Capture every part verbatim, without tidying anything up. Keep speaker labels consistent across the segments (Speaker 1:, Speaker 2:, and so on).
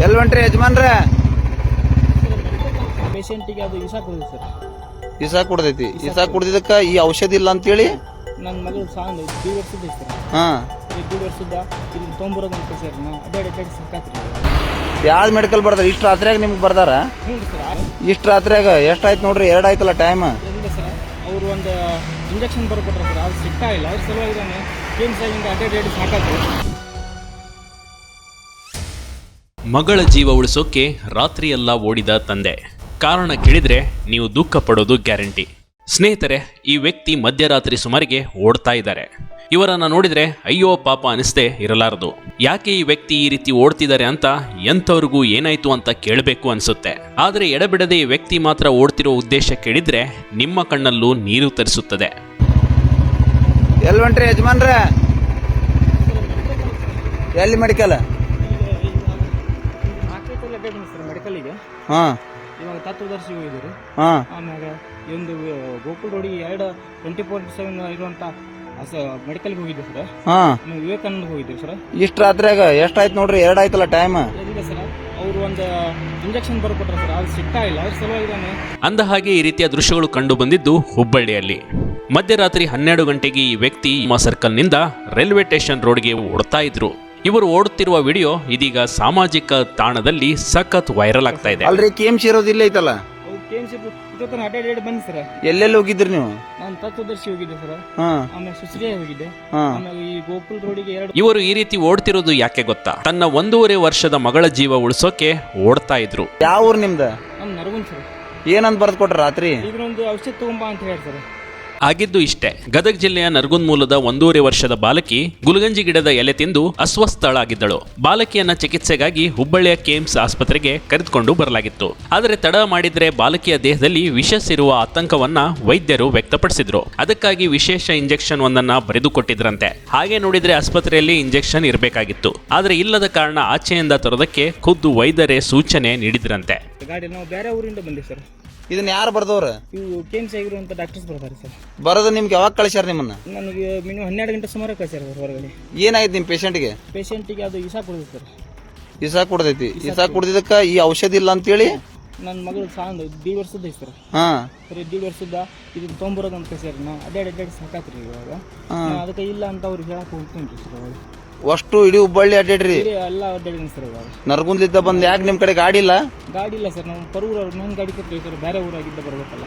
Speaker 1: ಎಲ್ಲಿ ಹೊಂಟ್ರಿ ಯಜಮಾನ್ರೆ?
Speaker 2: ಪೇಷಂಟಿಗೆ ಅದು ಇಸಾ ಕೊಡಿದೆ ಸರ್.
Speaker 1: ಇಸಾ ಕುಡ್ದೈತಿ. ಇಸಾ ಕುಡ್ದಿದ್ದಕ್ಕ ಈ ಔಷಧಿ ಇಲ್ಲ ಅಂತೇಳಿ
Speaker 2: ನನ್ನ ಮಗಳು ಸಾಂದ್ ಐದು ವರ್ಷದ ಐತೆ ಸರ್.
Speaker 1: ಹಾ
Speaker 2: ಐದು ವರ್ಷದ ಇದನ್ನ ತೊಂಬರೋದು ಅಂತ ಸರ್. ನಾ ಅಡ್ಡಾಡಿ ಅಡ್ಡಾಡಿ ಸಾಕಾತ್ರಿ.
Speaker 1: ಯಾವ್ದು ಮೆಡಿಕಲ್ ಬರ್ದಾರ? ಇಷ್ಟು ರಾತ್ರಿಯಾಗ ನಿಮ್ಗೆ ಬರ್ದಾರ?
Speaker 2: ಹ್ಞೂ ಸರ್.
Speaker 1: ಇಷ್ಟು ರಾತ್ರಿಯಾಗ ಎಷ್ಟು ಆಯ್ತು ನೋಡ್ರಿ? ಎರಡು ಆಯ್ತಲ್ಲ ಟೈಮ್.
Speaker 2: ಇಲ್ಲ ಸರ್, ಅವರು ಒಂದು ಇಂಜೆಕ್ಷನ್ ಬರ್ಕೊಟ್ರೆ ಸರ್, ಅದು ಸಿಗ್ತಾ ಇಲ್ಲ. ಅದ್ರ ಸಲುವಾಗಿ ನಾನು ಏನು ಸರ್ ಹಿಂಗೆ ಅಡ್ಡಾಡಿ ಅಡ್ಡಾಡಿ ಸಾಕಾತ್ರಿ.
Speaker 3: ಮಗಳ ಜೀವ ಉಳಿಸೋಕೆ ರಾತ್ರಿಯೆಲ್ಲ ಓಡಿದ ತಂದೆ. ಕಾರಣ ಕೇಳಿದ್ರೆ ನೀವು ದುಃಖ ಪಡೋದು ಗ್ಯಾರಂಟಿ. ಸ್ನೇಹಿತರೆ, ಈ ವ್ಯಕ್ತಿ ಮಧ್ಯರಾತ್ರಿ ಸುಮಾರಿಗೆ ಓಡ್ತಾ ಇದ್ದಾರೆ. ಇವರನ್ನ ನೋಡಿದ್ರೆ ಅಯ್ಯೋ ಪಾಪ ಅನಿಸ್ದೇ ಇರಲಾರದು. ಯಾಕೆ ಈ ವ್ಯಕ್ತಿ ಈ ರೀತಿ ಓಡ್ತಿದ್ದಾರೆ ಅಂತ ಎಂಥವ್ರಿಗೂ ಏನಾಯ್ತು ಅಂತ ಕೇಳಬೇಕು ಅನ್ಸುತ್ತೆ. ಆದರೆ ಎಡಬಿಡದೆ ಈ ವ್ಯಕ್ತಿ ಮಾತ್ರ ಓಡ್ತಿರೋ ಉದ್ದೇಶ ಕೇಳಿದ್ರೆ ನಿಮ್ಮ ಕಣ್ಣಲ್ಲೂ ನೀರು ತರಿಸುತ್ತದೆ.
Speaker 1: ಎಲ್ಲಿ ಹೊಂಟ್ರಿ ಯಜಮಾನ್ರೆ? ಎಲ್ಲಿ ಮೆಡಿಕಲ್?
Speaker 2: ಸರ್ ಮೆಡಿಕಲಿಗೆ
Speaker 1: ಹಾ
Speaker 2: ಇವಾಗ ತತ್ವದರ್ಶಿ ಹೋಗಿದ್ದೀರಿ.
Speaker 1: ಹಾ
Speaker 2: ಆಮ್ಯಾಗ ಒಂದು ಗೋಕುಲ್ ರೋಡಿಗೆ ಎರಡು ಟ್ವೆಂಟಿ ಫೋರ್ ಸೆವೆನ್ ಇರುವಂಥ ಮೆಡಿಕಲ್ಗೆ ಹೋಗಿದ್ದೆ ಸರ್.
Speaker 1: ಹಾ
Speaker 2: ಆಮೇಲೆ ವಿವೇಕಾನಂದ ಹೋಗಿದ್ದೀವಿ ಸರ್.
Speaker 1: ಇಷ್ಟು ರಾತ್ರಿಯಾಗ ಎಷ್ಟು ಆಯ್ತು ನೋಡ್ರಿ? ಎರಡು ಆಯ್ತಲ್ಲ ಟೈಮ್.
Speaker 2: ಇಲ್ಲ ಸರ್, ಅವರು ಒಂದು ಇಂಜೆಕ್ಷನ್ ಬರ್ಕೊಟ್ರೆ ಸರ್, ಅದು ಸಿಗ್ತಾ ಇಲ್ಲ. ಅದ್ರ ಸಲುವಾಗಿ ನಾನು
Speaker 3: ಅಂದ ಹಾಗೆ ಈ ರೀತಿಯ ದೃಶ್ಯಗಳು ಕಂಡು ಬಂದಿದ್ದು ಹುಬ್ಬಳ್ಳಿಯಲ್ಲಿ. ಮಧ್ಯರಾತ್ರಿ ಹನ್ನೆರಡು ಗಂಟೆಗೆ ಈ ವ್ಯಕ್ತಿ ನಿಮ್ಮ ಸರ್ಕಲ್ನಿಂದ ರೈಲ್ವೆ ಸ್ಟೇಷನ್ ರೋಡ್ಗೆ ಓಡ್ತಾ ಇದ್ರು. ಇವರು ಓಡುತ್ತಿರುವ ವಿಡಿಯೋ ಇದೀಗ ಸಾಮಾಜಿಕ ತಾಣದಲ್ಲಿ ಸಖತ್ ವೈರಲ್ ಆಗ್ತಾ ಇದೆ.
Speaker 1: ಅಲ್ರಿ ಕೆ ಎಂ ಸಿ ಇರೋದು ಇಲ್ಲ ಐತಲ್ಲ?
Speaker 2: ಅವ್ರು ಕೆ ಎಮ್ ಸಿ ಜೊತೆ ಅಡ್ಡಾಡಿ ಅಡ್ಡಾಡಿ ಬಂದೆ ಸರ್.
Speaker 1: ಎಲ್ಲೆಲ್ಲಿ ಹೋಗಿದ್ರಿ ನೀವು?
Speaker 2: ನಾನು ತತ್ವದರ್ಶಿ ಹೋಗಿದ್ದೆ ಸರ್.
Speaker 1: ಹಾ
Speaker 2: ಆಮೇಲೆ ಸುಶ್ರಿಯ ಹೋಗಿದ್ದೆ.
Speaker 1: ಹಾ
Speaker 2: ಆಮೇಲೆ ಈ ಗೋಕುಲ್ ರೋಡಿಗೆ ಎರಡು.
Speaker 3: ಇವರು ಈ ರೀತಿ ಓಡ್ತಿರೋದು ಯಾಕೆ ಗೊತ್ತಾ? ತನ್ನ ಒಂದೂವರೆ ವರ್ಷದ ಮಗಳ ಜೀವ ಉಳಿಸೋಕೆ ಓಡ್ತಾ ಇದ್ರು.
Speaker 1: ಯಾವ ಊರು ನಿಮ್ದ?
Speaker 2: ನಮ್ಮ ನರಗುಂದ್ ಸರ್.
Speaker 1: ಏನಂತ ಬರ್ದು ಕೊಟ್ರ ರಾತ್ರಿ?
Speaker 2: ಇದ್ರೊಂದು ಔಷಧ ತಗೊಂಬಾ ಅಂತ ಹೇಳಿ ಸರ್.
Speaker 3: ಆಗಿದ್ದು ಇಷ್ಟೇ. ಗದಗ ಜಿಲ್ಲೆಯ ನರಗುಂದ್ ಮೂಲದ ಒಂದೂವರೆ ವರ್ಷದ ಬಾಲಕಿ ಗುಲ್ಗಂಜಿ ಗಿಡದ ಎಲೆ ತಿಂದು ಅಸ್ವಸ್ಥಳಾಗಿದ್ದಳು. ಬಾಲಕಿಯನ್ನ ಚಿಕಿತ್ಸೆಗಾಗಿ ಹುಬ್ಬಳ್ಳಿಯ ಕೇಮ್ಸ್ ಆಸ್ಪತ್ರೆಗೆ ಕರೆದುಕೊಂಡು ಬರಲಾಗಿತ್ತು. ಆದರೆ ತಡ ಮಾಡಿದ್ರೆ ಬಾಲಕಿಯ ದೇಹದಲ್ಲಿ ವಿಷಸ್ ಇರುವ ಆತಂಕವನ್ನ ವೈದ್ಯರು ವ್ಯಕ್ತಪಡಿಸಿದ್ರು. ಅದಕ್ಕಾಗಿ ವಿಶೇಷ ಇಂಜೆಕ್ಷನ್ ಒಂದನ್ನ ಬರೆದುಕೊಟ್ಟಿದ್ರಂತೆ. ಹಾಗೆ ನೋಡಿದ್ರೆ ಆಸ್ಪತ್ರೆಯಲ್ಲಿ ಇಂಜೆಕ್ಷನ್ ಇರಬೇಕಾಗಿತ್ತು. ಆದರೆ ಇಲ್ಲದ ಕಾರಣ ಆಚೆಯಿಂದ ತರೋದಕ್ಕೆ ಖುದ್ದು ವೈದ್ಯರೇ ಸೂಚನೆ ನೀಡಿದ್ರಂತೆ.
Speaker 2: ಗಾಡಿ ನಾವು ಬೇರೆ ಊರಿಂದ ಬಂದಿವಿ ಸರ್.
Speaker 1: ಇದನ್ನ ಯಾರು ಬರ್ದವ್ರ?
Speaker 2: ಇವು ಕೆ ಎಮ್ ಸಿ ಆಗಿರುವಂಥ ಡಾಕ್ಟರ್ಸ್ ಬರ್ತಾರೆ ಸರ್.
Speaker 1: ಬರೋದು ನಿಮ್ಗೆ ಯಾವಾಗ ಕಳಿಸ್ಯಾರ ನಿಮ್ಮನ್ನ?
Speaker 2: ನನಗೆ ಮಿನಿಮಮ್ ಹನ್ನೆರಡು ಗಂಟೆ ಸುಮಾರು ಕಳ್ಸ್ಯಾರ ಹೊರಗಡೆ.
Speaker 1: ಏನಾಯ್ತು ನಿಮ್ಮ ಪೇಷಂಟ್ಗೆ?
Speaker 2: ಪೇಷಂಟಿಗೆ ಅದು ಇಸಾ ಕೊಡಿದೆ ಸರ್.
Speaker 1: ಇಸಾ ಕುಡ್ದೈತಿ. ಇಸಾ ಕುಡ್ದಿದ್ದಕ್ಕ ಈ ಔಷಧಿ ಇಲ್ಲ ಅಂತೇಳಿ
Speaker 2: ನನ್ನ ಮಗಳು ಸಾಂದ್ ಐದು ವರ್ಷದ ಐತೆ ಸರ್.
Speaker 1: ಹಾ
Speaker 2: ಸರ್ ಐದು ವರ್ಷದ ಇದನ್ನ ತೊಂಬರೋದು ಅಂತ ಸರ್. ನಾ ಅಡ್ಡಾಡಿ ಅಡ್ಡಾಡಿ ಸಾಕಾತ್ರಿ. ಇವಾಗ ನಾ ಅದಕ್ಕೆ ಇಲ್ಲ ಅಂತ ಅವ್ರಿಗೆ ಹೇಳಕ್ಕೆ ಹೋಗ್ತೀನಿ ಸರ್. ಅವಾಗ
Speaker 1: ಅಷ್ಟು ಇಡೀ ಹುಬ್ಬಳ್ಳಿ ಅಡ್ಡಾಡ್ರಿ?
Speaker 2: ಎಲ್ಲ ಅಡ್ಡಾಡಿದ್ದೀನಿ ಸರ್. ಇವಾಗ
Speaker 1: ನರಗುಂದ್ಲಿದ್ದ ಬಂದ್ ಯಾಕೆ ನಿಮ್ ಕಡೆ ಗಾಡಿ ಇಲ್ಲ?
Speaker 2: ಗಾಡಿ ಇಲ್ಲ ಸರ್. ನಾವು ಪರೂರು ನನ್ನ ಗಾಡಿ ಕೊಡ್ತೀವಿ ಸರ್. ಬೇರೆ ಊರಾಗಿದ್ದ ಬರ್ಬೇಕಲ್ಲ.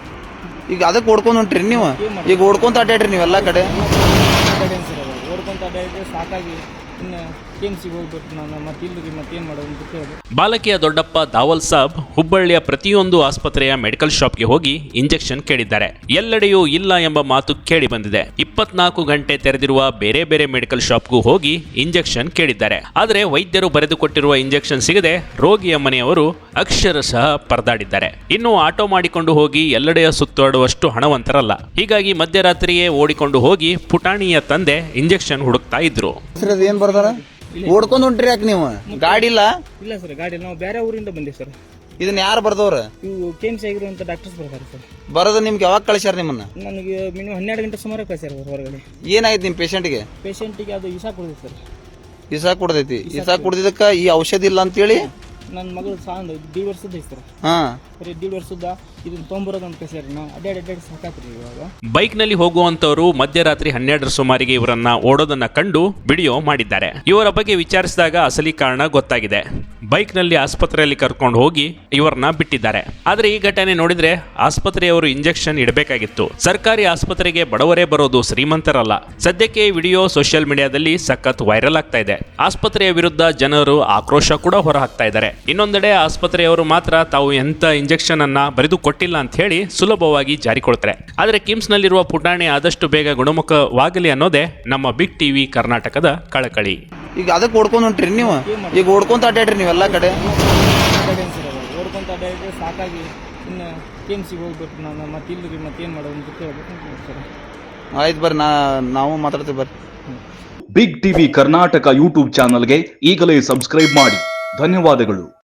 Speaker 1: ಈಗ ಅದಕ್ಕೆ ಓಡ್ಕೊಂಡ್ ಹೊಂಟ್ರಿ ನೀವು? ಈಗ ಓಡ್ಕೊಂತ ಅಡ್ಡಾಡ್ರಿ ನೀವೆಲ್ಲ ಕಡೆ?
Speaker 2: ಅಡ್ಡಾಡೇನು ಸರ್. ಅವಾಗ ಓಡ್ಕೊಂತ ಅಡ್ಡಾಡಿದ್ರೆ ಸಾಕಾಗಿ ಇನ್ನು ಕೆ ಎಮ್ ಸಿಗೆ ಹೋಗ್ಬೇಕು ನಾನು. ಮತ್ತೆ ಇಲ್ಲರಿ ಮತ್ತೇನು ಮಾಡೋದು ಅಂತ ಕೇಳಿದೆ.
Speaker 3: ಬಾಲಕಿಯ ದೊಡ್ಡಪ್ಪ ದಾವಲ್ ಸಾಬ್ ಹುಬ್ಬಳ್ಳಿಯ ಪ್ರತಿಯೊಂದು ಆಸ್ಪತ್ರೆಯ ಮೆಡಿಕಲ್ ಶಾಪ್ಗೆ ಹೋಗಿ ಇಂಜೆಕ್ಷನ್ ಕೇಳಿದ್ದಾರೆ. ಎಲ್ಲೆಡೆಯೂ ಇಲ್ಲ ಎಂಬ ಮಾತು ಕೇಳಿ ಬಂದಿದೆ. ಇಪ್ಪತ್ನಾಲ್ಕು ಗಂಟೆ ತೆರೆದಿರುವ ಬೇರೆ ಬೇರೆ ಮೆಡಿಕಲ್ ಶಾಪ್ಗೂ ಹೋಗಿ ಇಂಜೆಕ್ಷನ್ ಕೇಳಿದ್ದಾರೆ. ಆದರೆ ವೈದ್ಯರು ಬರೆದುಕೊಟ್ಟಿರುವ ಇಂಜೆಕ್ಷನ್ ಸಿಗದೆ ರೋಗಿಯ ಮನೆಯವರು ಅಕ್ಷರಶಃ ಪರದಾಡಿದ್ದಾರೆ. ಇನ್ನು ಆಟೋ ಮಾಡಿಕೊಂಡು ಹೋಗಿ ಎಲ್ಲೆಡೆಯ ಸುತ್ತಾಡುವಷ್ಟು ಹಣವಂತರಲ್ಲ. ಹೀಗಾಗಿ ಮಧ್ಯರಾತ್ರಿಯೇ ಓಡಿಕೊಂಡು ಹೋಗಿ ಪುಟಾಣಿಯ ತಂದೆ ಇಂಜೆಕ್ಷನ್ ಹುಡುಕ್ತಾ ಇದ್ರು.
Speaker 1: ಏನ್ ಬರ್ದಾರ? ಓಡ್ಕೊಂಡ್ ಹೊಂಟ್ರಿ ಯಾಕೆ ನೀವು? ಗಾಡಿ ಇಲ್ಲ?
Speaker 2: ಇಲ್ಲ ಸರ್, ಗಾಡಿ ನಾವು ಬೇರೆ ಊರಿಂದ ಬಂದಿವಿ ಸರ್.
Speaker 1: ಇದನ್ನ ಯಾರು ಬರ್ದವ್ರ?
Speaker 2: ಇವು ಕೆ ಎಮ್ ಸಿ ಆಗಿರುವಂಥ ಡಾಕ್ಟರ್ಸ್ ಬರ್ತಾರೆ ಸರ್.
Speaker 1: ಬರೋದು ನಿಮ್ಗೆ ಯಾವಾಗ ಕಳಿಸ್ಯಾರ ನಿಮ್ಮನ್ನ?
Speaker 2: ನನಗೆ ಮಿನಿಮಮ್ ಹನ್ನೆರಡು ಗಂಟೆ ಸುಮಾರು ಕಳ್ಸ್ಯಾರ ಹೊರಗಡೆ.
Speaker 1: ಏನಾಯ್ತು ನಿಮ್ಮ ಪೇಷಂಟ್ಗೆ?
Speaker 2: ಪೇಷಂಟಿಗೆ ಅದು ಇಸಾ ಕೊಡಿದೆ ಸರ್.
Speaker 1: ಇಸಾ ಕುಡ್ದೈತಿ. ಇಸಾ ಕುಡ್ದಿದ್ದಕ್ಕ ಈ ಔಷಧಿ ಇಲ್ಲ ಅಂತೇಳಿ
Speaker 2: ನನ್ನ ಮಗಳು ಸಾಂದ್ ಐದು ವರ್ಷದ ಐತೆ ಸರ್.
Speaker 1: ಹಾ
Speaker 2: ಸರ್ ಐದು ವರ್ಷದ ಇದನ್ನ ತೊಂಬರೋದು ಅಂತ ಸರ್. ನಾ ಅಡ್ಡಾಡಿ ಅಡ್ಡಾಡಿ ಸಾಕಾತ್ರಿ. ಇವಾಗ
Speaker 3: ಬೈಕ್ ನಲ್ಲಿ ಹೋಗುವಂತವರು ಮಧ್ಯರಾತ್ರಿ ಹನ್ನೆರಡರ ಸುಮಾರಿಗೆ ಇವರನ್ನ ಓಡೋದನ್ನ ಕಂಡು ವಿಡಿಯೋ ಮಾಡಿದ್ದಾರೆ. ಇವರ ಬಗ್ಗೆ ವಿಚಾರಿಸಿದಾಗ ಅಸಲಿ ಕಾರಣ ಗೊತ್ತಾಗಿದೆ. ಬೈಕ್ ನಲ್ಲಿ ಆಸ್ಪತ್ರೆಯಲ್ಲಿ ಕರ್ಕೊಂಡು ಹೋಗಿ ಇವರನ್ನ ಬಿಟ್ಟಿದ್ದಾರೆ. ಆದ್ರೆ ಈ ಘಟನೆ ನೋಡಿದ್ರೆ ಆಸ್ಪತ್ರೆಯವರು ಇಂಜೆಕ್ಷನ್ ಇಡಬೇಕಾಗಿತ್ತು. ಸರ್ಕಾರಿ ಆಸ್ಪತ್ರೆಗೆ ಬಡವರೇ ಬರೋದು, ಶ್ರೀಮಂತರಲ್ಲ. ಸದ್ಯಕ್ಕೆ ಈ ವಿಡಿಯೋ ಸೋಷಿಯಲ್ ಮೀಡಿಯಾದಲ್ಲಿ ಸಖತ್ ವೈರಲ್ ಆಗ್ತಾ ಇದೆ. ಆಸ್ಪತ್ರೆಯ ವಿರುದ್ಧ ಜನರು ಆಕ್ರೋಶ ಕೂಡ ಹೊರಹಾಕ್ತಾ ಇದ್ದಾರೆ. ಇನ್ನೊಂದೆಡೆ ಆಸ್ಪತ್ರೆಯವರು ಮಾತ್ರ ತಾವು ಎಂತ ಇಂಜೆಕ್ಷನ್ ಅನ್ನ ಬರೆದು ಕೊಟ್ಟಿಲ್ಲ ಅಂತ ಹೇಳಿ ಸುಲಭವಾಗಿ ಜಾರಿಕೊಳ್ತಾರೆ. ಆದರೆ ಕಿಮ್ಸ್ ನಲ್ಲಿರುವ ಪುಟಾಣಿ ಆದಷ್ಟು ಬೇಗ ಗುಣಮುಖವಾಗಲಿ ಅನ್ನೋದೇ ನಮ್ಮ ಬಿಗ್ ಟಿವಿ ಕರ್ನಾಟಕದ ಕಳಕಳಿ.
Speaker 1: ಈಗ ಅದಕ್ಕೆ ಓಡ್ಕೊಂಡ್ ಹೊಂಟ್ರಿ ನೀವು? ಈಗ ಓಡ್ಕೊಂತ ಅಡ್ಡಾಡ್ರಿ ನೀವೆಲ್ಲ ಕಡೆ?
Speaker 2: ಅಡ್ಡಾಡೇನು ಸರ್. ಅವಾಗ ಓಡ್ಕೊಂತ ಅಡ್ಡಾಡಿದ್ರೆ ಸಾಕಾಗಿ ಇನ್ನು ಕೆ ಎಮ್ ಸಿಗೆ ಹೋಗ್ಬೇಕು ನಾನು. ಮತ್ತೆ ಇಲ್ಲರಿ ಮತ್ತೇನು ಮಾಡೋದು ಅಂತ ಕೇಳಬೇಕು ಸರ್.
Speaker 1: ಆಯ್ತು ಬರ್ರಿ, ನಾ ನಾವು ಮಾತಾಡ್ತೀವಿ ಬರ್ರಿ.
Speaker 4: ಬಿಗ್ ಟಿವಿ ಕರ್ನಾಟಕ ಯೂಟ್ಯೂಬ್ ಚಾನಲ್ಗೆ ಈಗಲೇ ಸಬ್ಸ್ಕ್ರೈಬ್ ಮಾಡಿ. ಧನ್ಯವಾದಗಳು.